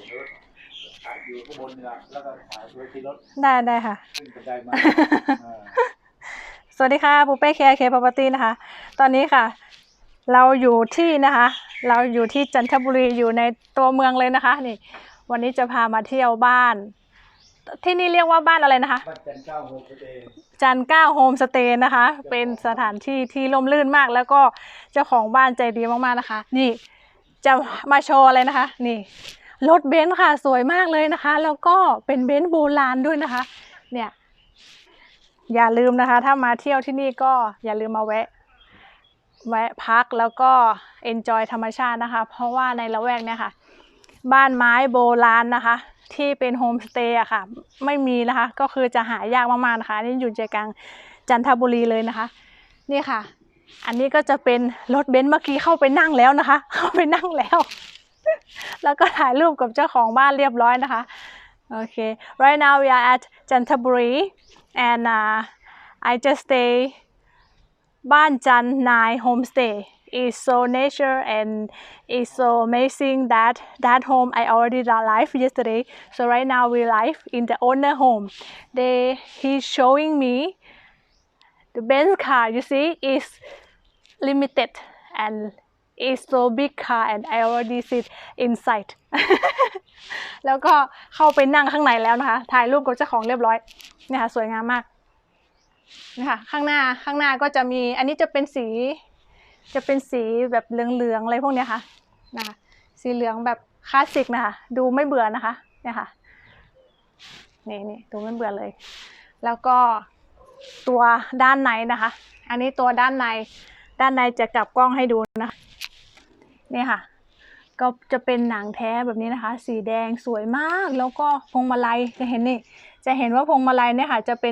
อยู่ข้างบนนี่แหละแล้วก็ถ่ายด้วยที่รถได้ค่ะขึ้นบันไดมาสวัสดีค่ะปูเป้เคพ property นะคะตอนนี้ค่ะเราอยู่ที่นะคะเราอยู่ที่จันทบุรีอยู่ในตัวเมืองเลยนะคะนี่วันนี้จะพามาเที่ยวบ้านที่นี่เรียกว่าบ้านอะไรนะคะบ้านจันเก้าโฮมสเตย์จันเก้าโฮมสเตย์นะคะเป็นสถานที่ที่ร่มรื่นมากแล้วก็เจ้าของบ้านใจดีมากๆนะคะนี่จะมาโชว์อะไรนะคะนี่รถเบนซ์ค่ะสวยมากเลยนะคะแล้วก็เป็นเบนซ์โบราณด้วยนะคะเนี่ยอย่าลืมนะคะถ้ามาเที่ยวที่นี่ก็อย่าลืมมาแวะพักแล้วก็ enjoy ธรรมชาตินะคะเพราะว่าในละแวกเนี่ยค่ะบ้านไม้โบราณนะคะที่เป็นโฮมสเตย์อะค่ะไม่มีนะคะก็คือจะหายากมากๆนะคะนี่อยู่ใจกลางจันทบุรีเลยนะคะนี่ค่ะอันนี้ก็จะเป็นรถเบนซ์เมื่อกี้เข้าไปนั่งแล้วนะคะเข้าไปนั่งแล้วแล้วก็ถ่ายรูปกับเจ้าของบ้านเรียบร้อยนะคะโอเค right now we are at Chantaburi and I just stay บ้านจันนาย homestay is so nature and it's so amazing that home I already live yesterday so right now we live in the owner home he's showing me the Benz car you see is limited and it's so big car and I already sit inside แล้วก็เข้าไปนั่งข้างในแล้วนะคะถ่ายรูปกับเจ้าของเรียบร้อยเนี่ยค่ะสวยงามมากนะคะข้างหน้าก็จะมีอันนี้จะเป็นสีแบบเหลืองๆอะไรพวกนี้ค่ะนะคะสีเหลืองแบบคลาสสิกนะคะดูไม่เบื่อนะคะเนี่ยค่ะนี่ดูไม่เบื่อเลยแล้วก็ตัวด้านในนะคะอันนี้ตัวด้านในจะกลับกล้องให้ดูนะนี่ค่ะก็จะเป็นหนังแท้แบบนี้นะคะสีแดงสวยมากแล้วก็พวงมาลัยจะเห็นว่าพวงมาลัยเนี่ยค่ะจะ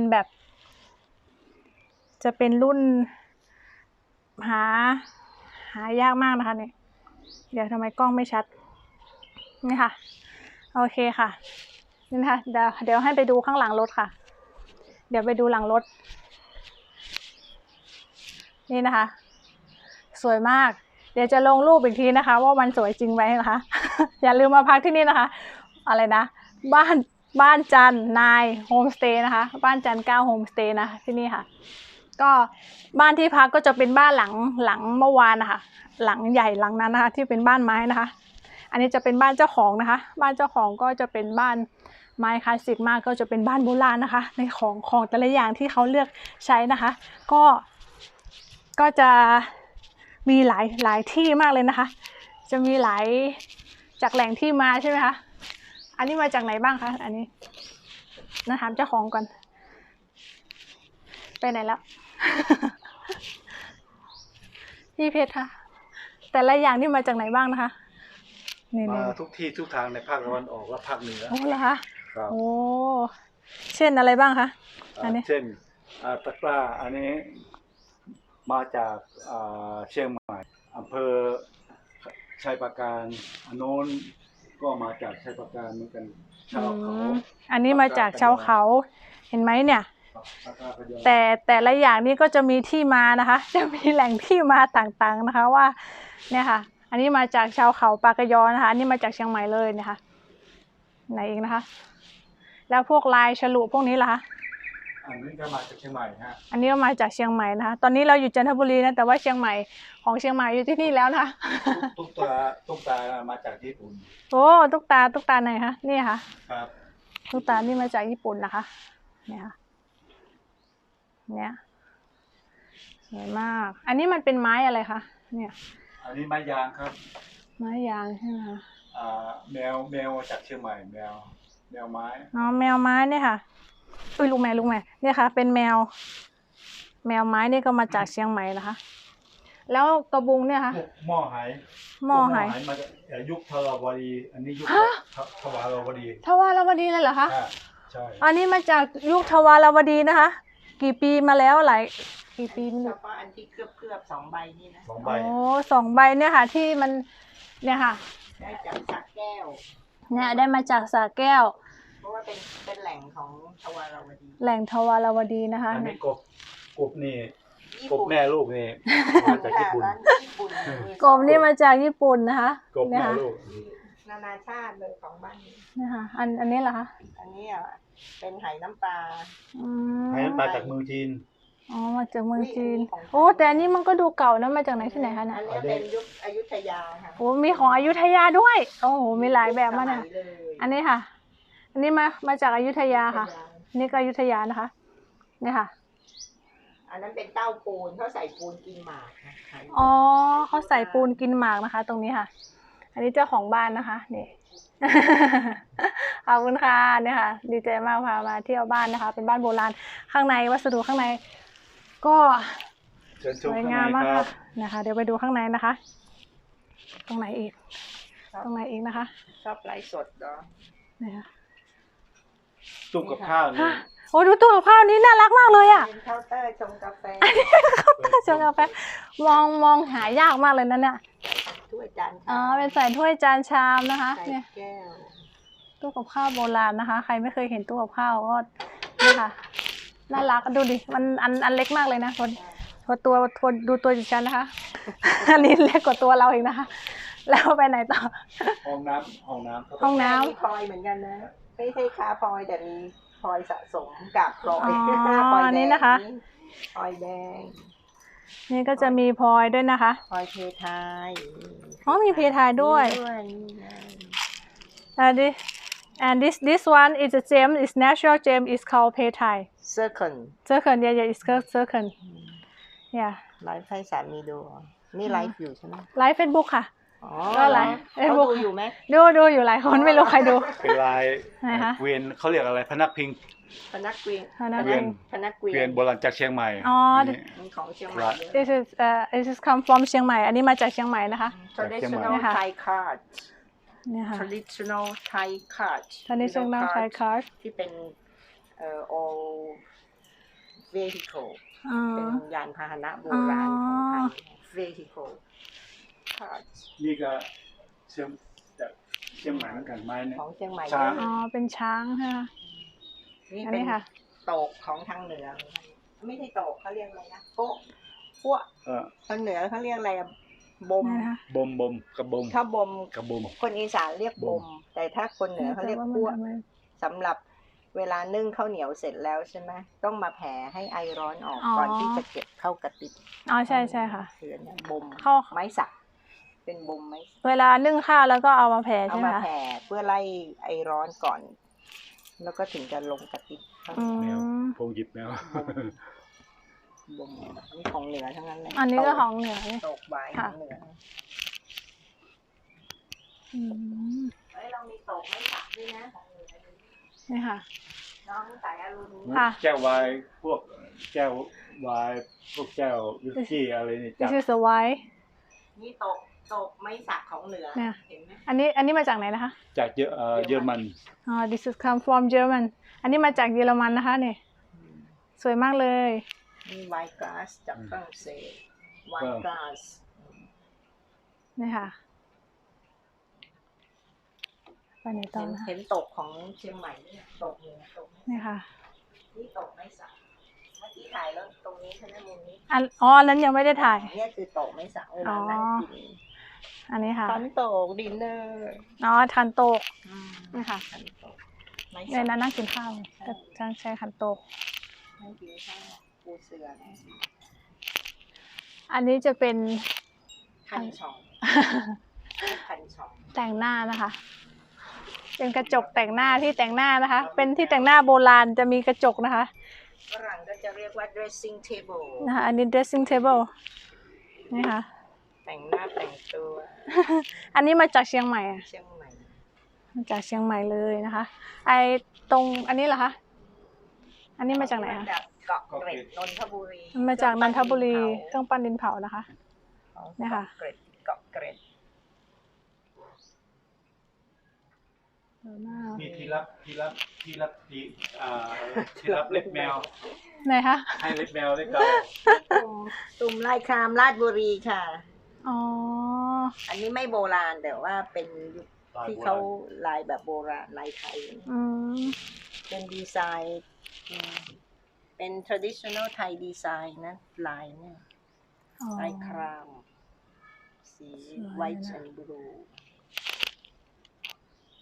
เป็นรุ่นหายากมากนะคะเนี่ยเดี๋ยวทำไมกล้องไม่ชัดนี่ค่ะโอเคค่ะนี่นะคะเดี๋ยวให้ไปดูข้างหลังรถค่ะเดี๋ยวไปดูหลังรถนี่นะคะสวยมากเดี๋ยวจะลงรูปอีกทีนะคะว่ามันสวยจริงไหมนะคะ อย่าลืมมาพักที่นี่นะคะอะไรนะบ้านจันนายโฮมสเตย์นะคะบ้านจันเก้าโฮมสเตย์นะที่นี่ค่ะก็บ้านที่พักก็จะเป็นบ้านหลังเมื่อวานนะคะหลังใหญ่หลังนั้นนะคะที่เป็นบ้านไม้นะคะอันนี้จะเป็นบ้านเจ้าของนะคะบ้านเจ้าของก็จะเป็นบ้านไม้คลาสสิกมากก็จะเป็นบ้านโบราณนะคะในของแต่ละอย่างที่เขาเลือกใช้นะคะก็จะมีหลายที่มากเลยนะคะจะมีหลายจากแหล่งที่มาใช่ไหมคะอันนี้มาจากไหนบ้างคะอันนี้นะถามเจ้าของก่อนไปไหนแล้ว พี่เพชรค่ะแต่ละอย่างนี่มาจากไหนบ้างนะคะมาทุกที่ทุกทางในภาคตะวันออกและภาคเหนือโอ้เหรอคะครับโอ้เช่นอะไรบ้างคะอันนี้เช่นตะกร้าอันนี้มาจากเชียงใหม่อำเภอชัยปราการอันโน้นก็มาจากชัยปราการเหมือนกันชาวเขาอันนี้มาจากชาวเขาเห็นไหมเนี่ยแต่ละอย่างนี้ก็จะมีที่มานะคะจะมีแหล่งที่มาต่างๆนะคะว่าเนี่ยค่ะอันนี้มาจากชาวเขาปากยอนะคะอันนี้มาจากเชียงใหม่เลยนะคะไหนเองนะคะแล้วพวกลายฉลุพวกนี้ล่ะคะอันนี้ก็มาจากเชียงใหม่ฮะอันนี้ก็มาจากเชียงใหม่นะคะตอนนี้เราอยู่จันทบุรีนะแต่ว่าเชียงใหม่ของเชียงใหม่อยู่ที่นี่แล้วนะคะตุ๊กตามาจากญี่ปุ่นโอ้ตุ๊กตาไหนคะนี่ค่ะครับตุ๊กตานี่มาจากญี่ปุ่นนะคะเนี่ยค่ะเนี่ยสวยมากอันนี้มันเป็นไม้อะไรคะเนี่ยอันนี้ไม้ยางครับไม้ยางใช่ไหมคะแมวจากเชียงใหม่แมวไม้อ๋อแมวไม้เนี่ยค่ะอุ้ยลูกแม่เนี่ยค่ะเป็นแมวไม้นี่ก็มาจากเชียงใหม่นะคะแล้วกระบุงเนี่ยค่ะหม้อไหมาจากยุคทวารวดีอันนี้ยุคทวารวดีเลยเหรอคะใช่อันนี้มาจากยุคทวารวดีนะคะกี่ปีมาแล้วกี่ปีเฉพาะอันที่เกือบ2 ใบนี่นะ 2 ใบโอ้2 ใบเนี่ยค่ะที่มันเนี่ยค่ะได้จากสระแก้วเนี่ยได้มาจากสระแก้วเพราะว่าเป็นแหล่งของทวารวดีแหล่งทวารวดีนะคะอันนี้กบนี่กบแม่ลูกนี่มาจากญี่ปุ่นกบนี่มาจากญี่ปุ่นนะคะกบแม่ลูกนานาชาติเลยของบ้านนี้นี่ค่ะอันนี้เหรอคะอันนี้อ่ะเป็นไหน้ำปลาอืมให้น้ำปลาจากเมืองจีนอ๋อมาจากเมืองจีนอุ๊ยอันนี้ของโอ้แต่อันนี้มันก็ดูเก่านะมาจากไหนที่ไหนคะเนี่ยอันนี้เป็นยุคอยุธยาค่ะโอ้มีของอยุธยาด้วยโอ้โหมีหลายแบบมากเนี่ยสเลยอันนี้ค่ะ อันนี้มาจากอยุธยาค่ะ นี่ก็อยุธยานะคะนี่ค่ะอันนั้นเป็นเต้าปูนเขาใส่ปูนกินหมากนะขายอ๋อเขาใส่ปูนกินหมากนะคะ ตรงนี้ค่ะ อันนี้เจ้าของบ้านนะคะนี่ ขอบคุณค่ะเนี่ยค่ะ ดีใจมากพามาเที่ยวบ้านนะคะ เป็นบ้านโบราณข้างในวัสดุข้างใน ก็เชิญชสมวยข้างในงามมากครัค่ะบนะคะ เดี๋ยวไปดูข้างในนะคะ ตรงไหนอีก ตรงไหนอีกนะคะชอบไลฟ์สดเหรอนี่ค่ะตู้กับข้าวนี่ฮะโอ้ดูตู้กับข้าวนี้น่ารักมากเลยอ่ะเป็นเคาน์เตอร์ชงกาแฟชงกาแฟมองหายากมากเลยนะเนี่ยถ้วยจานอ๋อชามเป็นใส่ถ้วยจานชามนะคะใส่เนี่ยแก้วตู้กับข้าวโบราณนะคะ ใครไม่เคยเห็นตู้กับข้าวก็นี่ค่ะ น่ารักดูดิ มันอันเล็กมากเลยนะตัวดูตัวดิฉันนะคะ อันนี้เล็กกว่าตัวเราอีกนะคะ แล้วไปไหนต่อห้องน้ำห้องน้ำห้องน้ำมีพลอยเหมือนกันนะ ไม่ใช่ค้าพลอยแต่มีพลอยสะสมกับพลอยอ๋อพลอยแดงนี่นะคะพลอยแดงนี่ก็จะมีพลอยด้วยนะคะพลอยเพทายอ๋อมีเพทายด้วยนี่ไง this one is a gem is natural gem is called เพทาย Circle circle yeah it's called circle yeah ไลฟ์ให้สามีดูเหรอนี่ไลฟ์อยู่ใช่ไหมไลฟ์เฟซบุ๊กค่ะอ๋อก็ไลฟ์เขา Facebook ดูอยู่ไหมดูอยู่หลายคนไม่รู้ใครดูเป็นลายไหนคะเกวียนเขาเรียกอะไรพนักพิงพนักเกวียนพนักเกวียนพนักเกวีเกวียนโบราณจากเชียงใหม่อ๋อนนี้มีของเชียงใหม่ครับเยอะ this is come from เชียงใหม่ อันนี้มาจากเชียงใหม่นะคะ traditional เนี่ยค่ะ Thai card เนี่ยค่ะ traditional Thai card traditional Thai card ที่เป็นall vehicle อ๋อเป็นยานพาหนะโบราณของไทย vehicle card นี่ก็เชียงจากเชียงใหม่เหมือนกันไม้เนี่ยของเชียงใหม่ช้างอ๋อเป็นช้างใช่ไหมนี่อันเป็นนี้ค่ะโตกของทางเหนือ ไม่ใช่โตกเขาเรียกอะไรนะโป๊ะปั้วเออทางเหนือเขาเรียกอะไรอะบมนี่นะคะบมกระบมถ้าบมกระบมคนอีสานเรียกบม แต่ถ้าคนเหนือเขาเรียกปั้วสำหรับเวลานึ่งข้าวเหนียวเสร็จแล้วใช่ไหมต้องมาแผ่ให้ไอร้อนออกก่อนที่จะเก็บเข้ากระติบอ๋อใช่ค่ะคืออันเนี้ยบ่มเข้าไม้สัก เป็นบ่มไม้สักเวลานึ่งข้าวแล้วก็เอามาแผ่เอาใช่ไหมมาคะแผ่เพื่อไล่ไอร้อนก่อน แล้วก็ถึงจะลงกระติบข้าวอืแมวมพงหยิบแมวบ่มนี่ของเหนือทั้งนั้นเลยอันนี้ก็ของเหนือนี่โตกใบขค่ะองเหนืออืมเฮ้ยเรามีโตกไม้สักด้วยนะของเหนือนี่ค่ะน้องสายอรุณค่ะแก้ววายพวกแก้ววายพวกแก้ววิสกี้อะไรนี่จาก this is a white นี่โตกไม้สักของเหนือเนี่ยเห็นไหมอันนี้มาจากไหนนะคะจากเยอรมันอ๋อ this is come from German อันนี้มาจากเยอรมันนะคะเนี่ยสวยมากเลยนี่ไวน์กลาสจากฝรั่งเศสไวน์กลาสนี่ค่ะไปไหนต่อนะคะเห็นตกของเชียงใหม่เนี่ยตกเหนือตกนี่ค่ะนี่ตกไม้สักเมื่อกี้ถ่ายแล้วตรงนี้ใช่ไหมมุมนี้อันนั้นยังไม่ได้ถ่ายเนี่ยคือโตกไม้สักเวลานั่งกินอันนี้ค่ะขันโตกดินเนอร์อ๋อทันโตกนี่ค่ะขันโตกไม้ในสักนั้นนั่งกินข้าวก็จะใช้ขันโตกไม่กินข้าวปูเสือนะอันนี้จะเป็นคันช่องคันช่องแต่งหน้านะคะ เป็นกระจกแต่งหน้าที่แต่งหน้านะคะ เป็นที่แต่งหน้าโบราณจะมีกระจกนะคะฝรั่งก็จะเรียกว่า dressing table นะคะอันนี้ dressing table นี่ค่ะแต่งหน้าแต่งตัวอันนี้มาจากเชียงใหม่อะเชียงใหม่มาจากเชียงใหม่เลยนะคะ ไอตรงอันนี้เหรอคะ อันนี้มาจากไหนคะมาจากเกาะเกร็ดนนทบุรีมาจากนนทบุรีเครื่องปั้นดินเผานะคะ เนี่ยค่ะเกร็ดเกาะเกร็ดมีที่รับเล็บแมวไหนคะให้เล็บแมวได้เก่าตุ่มลายครามราชบุรีค่ะอ๋ออันนี้ไม่โบราณแต่ว่าเป็นยุคที่เขาลายแบบโบราณลายไทยอืมเป็นดีไซน์เป็น traditional Thai design นะลายเนี่ยอ๋อลายคราม สีสวยนะ white and blue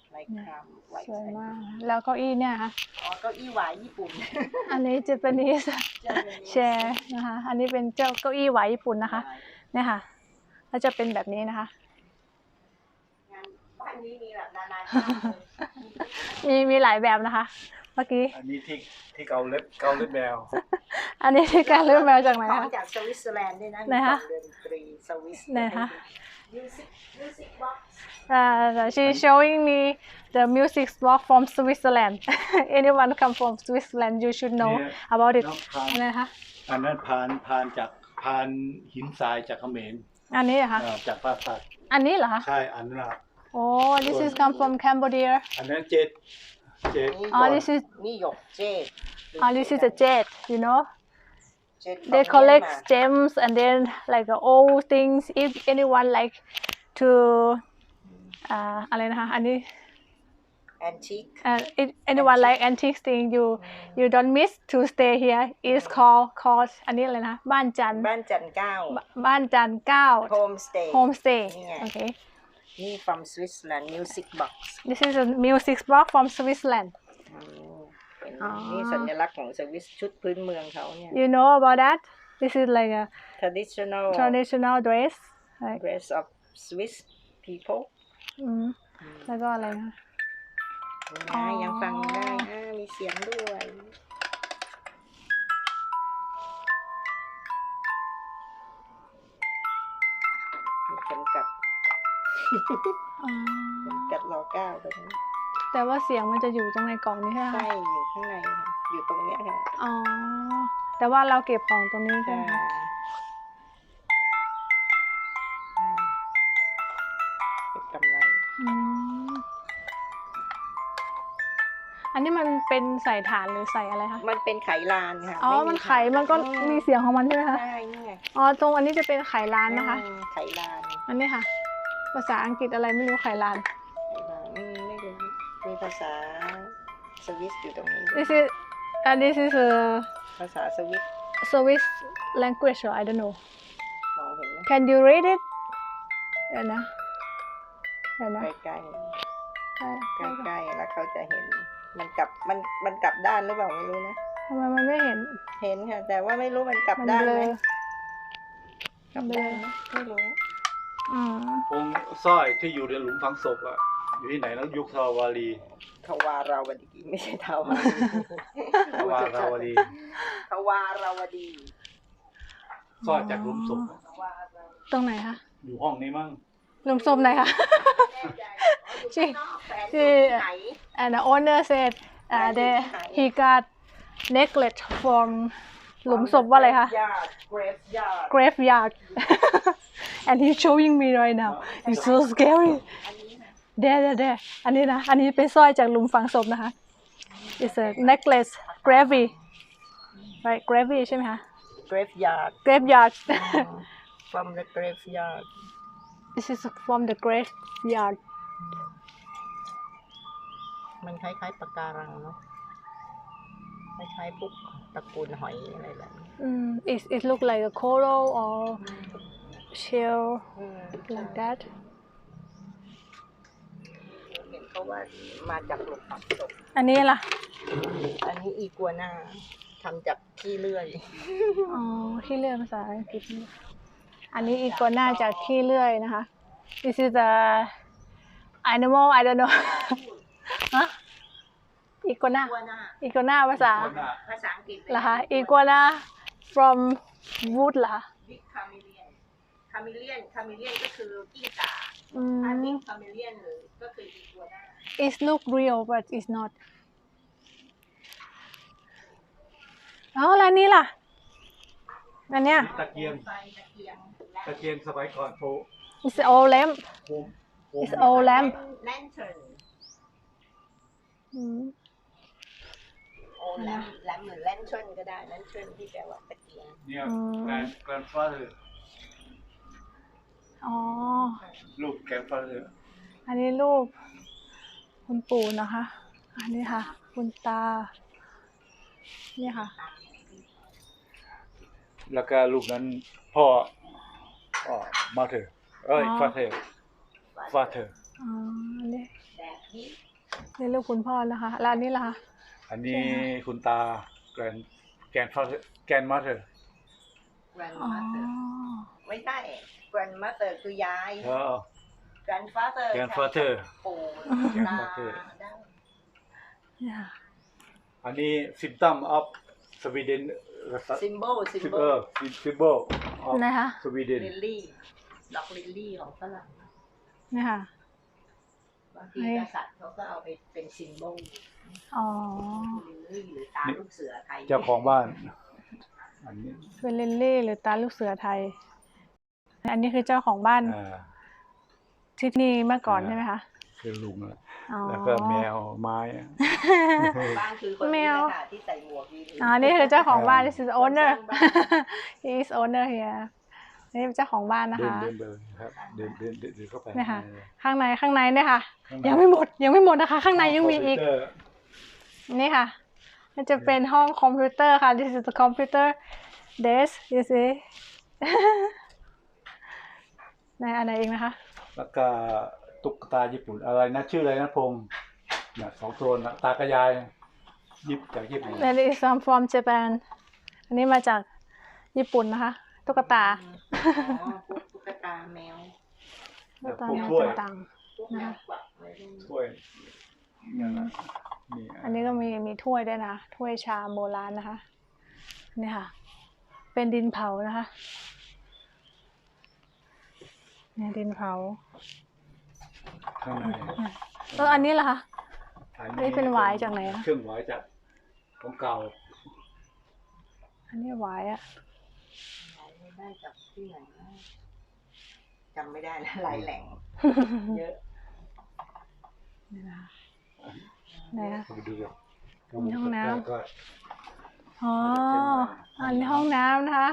ลายครามไวสวยมาก แล้วเก้าอี้เนี่ยค่ะอ๋อเก้าอี้หวายญี่ปุ่นอันนี้ Japanese chair นะคะ อันนี้เป็นเจ้าเก้าอี้หวายญี่ปุ่นนะคะ เนี่ยค่ะแล้วจะเป็นแบบนี้นะคะงานบ้านนี้มีแบบนานาชาติเลยมีหลายแบบนะคะ เมื่อกี้อันนี้ที่เกาเล็บแมวอันนี้ที่การเลือกแมวจากไหนของคะจากสวิตเซอร์แลนด์ด้วยนะไหนคะมีของดนตรีสวิสไหนคะ Music box she's showing me the music box from Switzerland anyone come from Switzerland you should know เนี่ย about it น้องพานอะไรคะอันนั้นพานหินทรายจากเขมรอันนี้เหรอคะจากปราสาทอันนี้เหรอคะใช่อันนั้นน่ะโอ้ this is come from Cambodia อันนั้นเจดอ๋อ this is นี่หยกเจด this is the jade you know เจด they collect gems and then like old things if anyone like to อะไรนะคะอันนี้ antique if anyone like antique thing you don't miss to stay here is called อันนี้อะไรนะบ้านจันทร์บ้านจันทร์เก้าบ้านจันทร์9 homestay homestay นี่ไง okay นี่ from Switzerland music box this is a music box from Switzerland เป็นอ๋อนี่สัญลักษณ์ของสวิสชุดพื้นเมืองเขาเนี่ย you know about that this is like a traditional dress right? dress of Swiss people อืมแล้วก็อะไรนะนี่นะยังฟังได้มีเสียงด้วย มีเข็มกัดอ๋อเข็มกัดรอเก้าตรงนี้แต่ว่าเสียงมันจะอยู่ตรงในกล่องนี้ใช่ไหมใช่คะอยู่ข้างในค่ะอยู่ตรงเนี้ยค่ะอ๋อแต่ว่าเราเก็บของตรงนี้ใช่ใช่ไหมคะเก็บกำไรอืมอันนี้มันเป็นใส่ถ่านหรือใส่อะไรคะมันเป็นไขลานค่ะอ๋อไมันไขมันก็มีเสียงของมันใช่ไหมคะใช่นี่ไงอ๋อ ตรงอันนี้จะเป็นไขลานนะคะไขลานอันนี้ค่ะ ภาษาอังกฤษอะไรไม่รู้ไขลานไม่รู้มีภาษาสวิสอยู่ตรงนี้ด้วย this is a ภาษาสวิส Swiss language or I don't know มองเห็นไหม can you read it เดี๋ยวนะใกล้ใกล้ๆใกล้ๆแล้วเขาจะเห็นมันกลับมันกลับด้านหรือเปล่าไม่รู้นะทำไมมันไม่เห็นเห็นค่ะ แต่ว่าไม่รู้มันกลับมันด้านเบลไหมอกลับด้านไหมไม่รู้อืมองค์สร้อยที่อยู่ในหลุมฝังศพอะอยู่ที่ไหนแล้วยุคทวารีทวาราวดีไม่ใช่ทวารทวาราวดีทวาราวดีสร้อยจากหลุมศพทวาราวดีตรงไหนคะอยู่ห้องนี้มั้งหลุมศพไหนคะอยู่ข้างนอกแฝงอยู่ที่ไหน and the owner said he got necklace from หลุมศพว่าอะไรคะ graveyard graveyard and he's showing me right now it's so scary there อันนี้นะ อันนี้เป็นสร้อยจากหลุมฝังศพนะคะ it's a necklace gravy right gravy ใช่ไหมคะ graveyard graveyard from the graveyard this is from the graveyard มันคล้ายๆปะการังเนาะคล้ายๆพวกตระกูลหอยอะไรแบบนี้ it look like a coral or shell like that เห็นเขาว่ามาจากหลุมฝังศพอันนี้ล่ะอันนี้อีกัวน่าทำจากขี้เลื่อยอ๋อขี้เลื่อยภาษาอังกฤษอันนี้อีกัวน่าจากขี้เลื่อยนะคะ this is a animal I don't know ฮะอีกัวน่า อีกัวน่าภาษาภาษาอังกฤษเหรอคะอีกัวน่า from wood เหรอคะบิ๊กคาเมเลียนคาเมเลียนก็คือกิ้งก่าอืถ้าม บิ๊กคาเมเลียนหรือก็คืออีกัวน่า it look real but it's not อ๋อแล้วนี่ล่ะ อันเนี้ยตะเกียงไฟตะเกียงตะเกียงสมัยก่อนโฟ it's old lamp โฮม it's old lamp แลนเทิร์นอืมโอ้แลมหรือแลนเทิร์นก็ได้แลนเทิร์นที่แปลว่าตะเกียงเนี่ยแกรนด์ฟาเธอร์อ๋อลูกแกรนด์ฟาเธอร์อันนี้รูปคุณปู่นะคะ อันนี้ค่ะ คุณตา นี่ค่ะแล้วก็ลูกนั้นพ่อมาเธอฟาเธออ๋อ อันนี้ He นี่ลูกคุณพ่อนะคะแล้วอันนี้ล่ะคะอันนี้คุณตาแกรนมาเธออ๋อ grandmother ไม่ใช่ grandmother คือยาย grandfather grandfather ปู่ grandfather ได้เนี่ยอันนี้ symptom of Sweden symbol symbol of นะคะ Sweden ลิลลี่ดอกลิลลี่ของฝรั่งเนี่ยค่ะบางทีกษัตริย์เขาก็เอาไปเป็นซิมโบลอ๋อลิลลี่หรือตาลูกเสือไทยเจ้าของบ้าน อันนี้เป็นลิลลี่หรือตาลูกเสือไทย อันนี้คือเจ้าของบ้านที่นี่เมื่อก่อนใช่ไหมคะคือลุงแล้วอ๋อแล้วก็แมวไม้บ้านคือคนนี้เลยค่ะที่ใส่หมวกยืนอ๋อ นี่คือเจ้าของบ้าน this is คน owner สร้างบ้าน he is owner here นี่เป็นเจ้าของบ้านนะคะเดินครับเดินเข้าไปเนี่ยค่ะ ข้างในเนี่ยค่ะข้างในยังไม่หมดนะคะ ข้างในยังมีอีกคอมพิวเตร์นี่ค่ะ มันจะเป็นห้องคอมพิวเตอร์ค่ะ this is the computer desk you see ในอันไหนเองนะคะแล้วก็ตุ๊กตาญี่ปุ่นอะไรนะชื่ออะไรนะพงษ์เนี่ยสองตัวนะตากระยายจากญี่ปุ่น That is from Japan อันนี้มาจากญี่ปุ่นนะคะ ตุ๊กตาอ๋อพวกตุ๊กตาแมวตุ๊กตาพวกแมวถ้วยต่างพวกแมวกวักไว้ด้วยถ้วยเนี่ยนะนี่ๆ อันนี้ก็มีถ้วยด้วยนะ ถ้วยชามโบราณนะคะ นี่ค่ะ เป็นดินเผานะคะเนี่ยดินเผาข้างในอันนี้ล่ะคะ นี่เป็นหวายจากไหนอะเครื่องหวายจากของเก่าอันนี้หวายอะไม่ได้จากที่ไหนนะจำไม่ได้แล้วหลายแหล่งเยอะนี่นะคะไหนอะไปดูกันมีห้องน้ำก็อ๋อ อันนี้ห้องน้ำนะคะ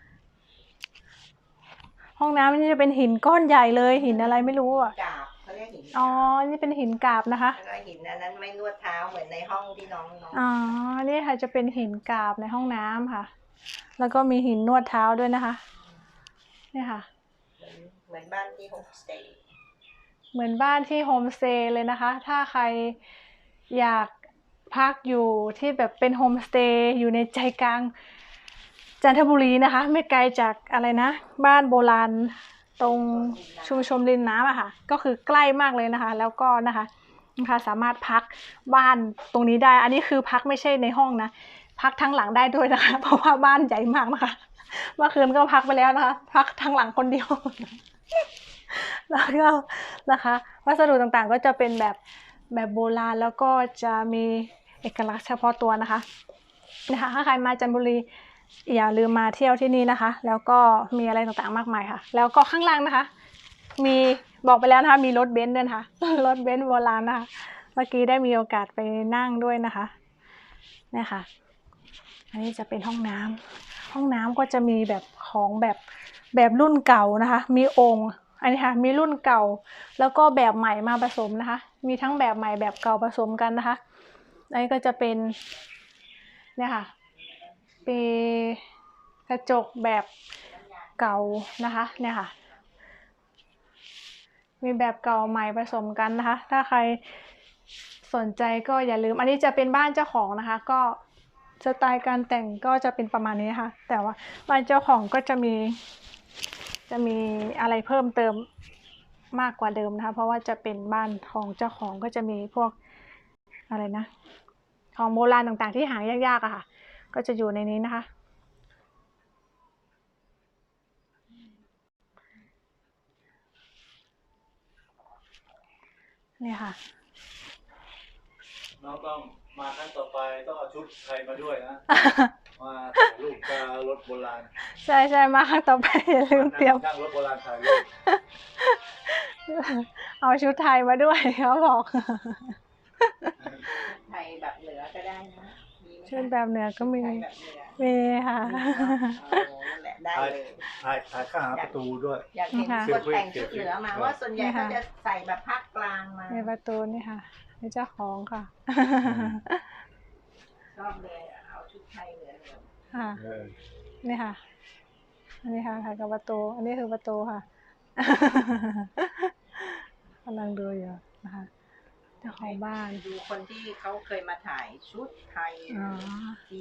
ห้องน้ำนี่จะเป็นหินก้อนใหญ่เลย หินอะไรไม่รู้อ่ะกาบเขาเรียกหินอ๋อ นี่เป็นหินกาบนะคะแล้วก็หินอันนั้นไม่นวดเท้าเหมือนในห้องที่น้องอ๋อ นี่ค่ะจะเป็นหินกาบในห้องน้ำค่ะ แล้วก็มีหินนวดเท้าด้วยนะคะ นี่ค่ะเหมือนบ้านที่โฮมสเตย์เหมือนบ้านที่โฮมสเตย์เลยนะคะ ถ้าใครอยากพักอยู่ที่แบบเป็นโฮมสเตย์อยู่ในใจกลางจันทบุรีนะคะ ไม่ไกลจากอะไรนะ บ้านโบราณตรงชุมชนริมน้ำอะค่ะ ก็คือใกล้มากเลยนะคะ แล้วก็นะคะสามารถพักบ้านตรงนี้ได้ อันนี้คือพักไม่ใช่ในห้องนะ พักทั้งหลังได้ด้วยนะคะ เพราะว่าบ้านใหญ่มากนะคะ เมื่อคืนก็พักไปแล้วนะคะ พักทั้งหลังคนเดียว แล้วก็นะคะวัสดุต่างๆก็จะเป็นแบบโบราณแล้วก็จะมีเอกลักษณ์เฉพาะตัวนะคะถ้าใครมาจันทบุรีอย่าลืมมาเที่ยวที่นี่นะคะ แล้วก็มีอะไรต่างๆมากมายค่ะ แล้วก็ข้างล่างนะคะ มีบอกไปแล้วนะคะมีรถเบนซ์ด้วยนะคะ รถเบนซ์โบราณนะคะ เมื่อกี้ได้มีโอกาสไปนั่งด้วยนะคะเนี่ยค่ะ อันนี้จะเป็นห้องน้ำห้องน้ำก็จะมีแบบของแบบรุ่นเก่านะคะ มีองค์อันนี้ค่ะมีรุ่นเก่าแล้วก็แบบใหม่มาผสมนะคะ มีทั้งแบบใหม่แบบเก่าผสมกันนะคะอันนี้ก็จะเป็นเนี่ยค่ะปีกระจกแบบเก่านะคะเนี่ยค่ะมีแบบเก่าใหม่ผสมกันนะคะ ถ้าใครสนใจก็อย่าลืมอันนี้จะเป็นบ้านเจ้าของนะคะก็สไตล์การแต่งก็จะเป็นประมาณนี้ค่ะแต่ว่าบ้านเจ้าของก็จะมีอะไรเพิ่มเติมมากกว่าเดิมนะคะเพราะว่าจะเป็นบ้านของเจ้าของก็จะมีพวกอะไรนะของโบราณต่างๆที่หายากๆอะค่ะก็จะอยู่ในนี้นะคะนี่ค่ะน้องต้องมาครั้งต่อไปต้องเอาชุดไทยมาด้วยนะ มาถ่ายรูปกับรถโบราณใช่มาครั้งต่อไปอย่าลืมเตรียมนั่งรถโบราณถ่ายรูปเอาชุดไทยมาด้วยเขาบอกไทยแบบเหนือก็ได้นะมีไหมคะชุดแบบเหนือก็มีไทยแบบเหนือมีค่ะนั่นแหละได้เลยถ่ายข้างหาประตูด้วยอยากเห็นคนแต่งชุดเหนือมาว่าส่วนใหญ่เขาจะใส่แบบภาคกลางมาในประตูนี่ค่ะนี่เจ้าของค่ะชอบเลยเอาชุดไทยเหนือค่ะ นี่ค่ะ อันนี้ค่ะถ่ายกับประตู อันนี้คือประตูค่ะ กำลังดูอยู่นะคะเจ้าของบ้านดูคนที่เขาเคยมาถ่ายชุดไทยอ๋อที่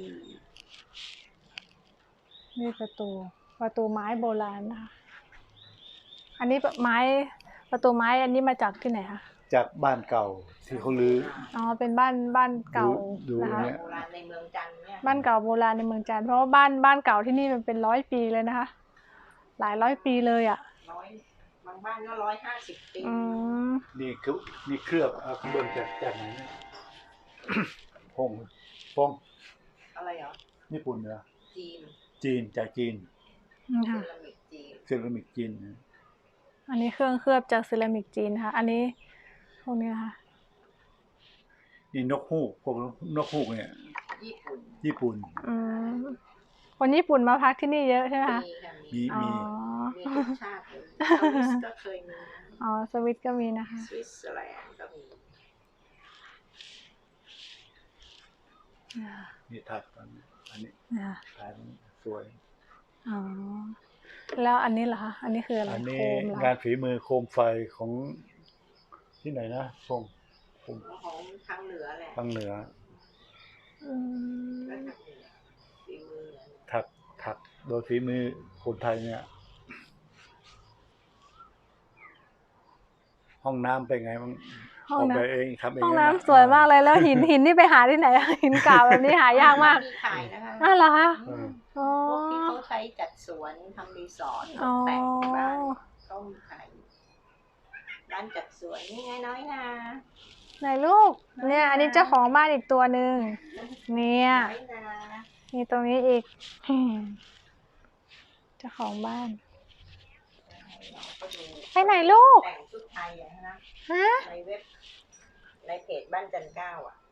นี่ประตูไม้โบราณนะคะ อันนี้ประตูไม้อันนี้มาจากที่ไหนคะจากบ้านเก่าที่เขาลื้ออ๋อ เป็นบ้านเก่าดูนะคะเนี่ยโบราณในเมืองจันทร์เนี่ยบ้านเก่าโบราณในเมืองจันทร์เพราะว่าบ้านเก่าที่นี่มันเป็น100 ปีเลยนะคะ หลายร้อยปีเลยอ่ะบางบ้านก็150 ปีอืมนี่คือนี่เคลือบเอาข้างบนจากไหนเนี่ย พงอะไรเหรอญี่ปุ่นเหรอจีนจีนจากจีนนี่เซค่ะรามิกจีนเซรามิกจีนนะอันนี้เครื่องเคลือบจากเซรามิกจีนค่ะ อันนี้พวกนี้นะคะนี่นกฮูกพวกนกฮูกเนี่ยญี่ปุ่นอืม คนญี่ปุ่นมาพักที่นี่เยอะใช่ไหมคะมีค่ะมีอ๋อมีทุกชาติเลยสวิสก็เคยมีอ๋อ สวิตก็มีนะคะสวิตเซอร์แลนด์ก็มีนี่ถักอันนี้อ่าถ่ายสวยอ๋อ แล้วอันนี้เหรอคะ อันนี้คืออะไรอันโคนี้มเหรองานฝีมือโคมไฟของที่ไหนนะพงของทางเหนือแหละทางเหนืออืมและทางเหนือฝีมือถักโดยฝีมือคนไทยเนี่ย ห้องน้ำเป็นไงบ้างห้องออกน้แบบเองทำเองำห้องนะน้ำสวยมากเลย แล้วหินนี่ไปหาที่ไหน หินเก่าแบบนี้หายากมากมีขายนะคะอ้าวเหรอคะเอออ๋อพวกที่เขาใช้จัดสวนทำรีสอร์ทตอ๋อกแต่งบ้านเขามีขายร้านจัดสวนนี่ไงน้อยนาไหนลูก เนี่ย อันนี้เจ้าของบ้านอีกตัวหนึ่งเนี่ยน้อยนามีตรงนี้อีก เจ้าของบ้านก็ดูไปไหนลูกแต่งชุดไทยอะนะฮะในเว็บในเพจบ้านจันเก้าอ่ะ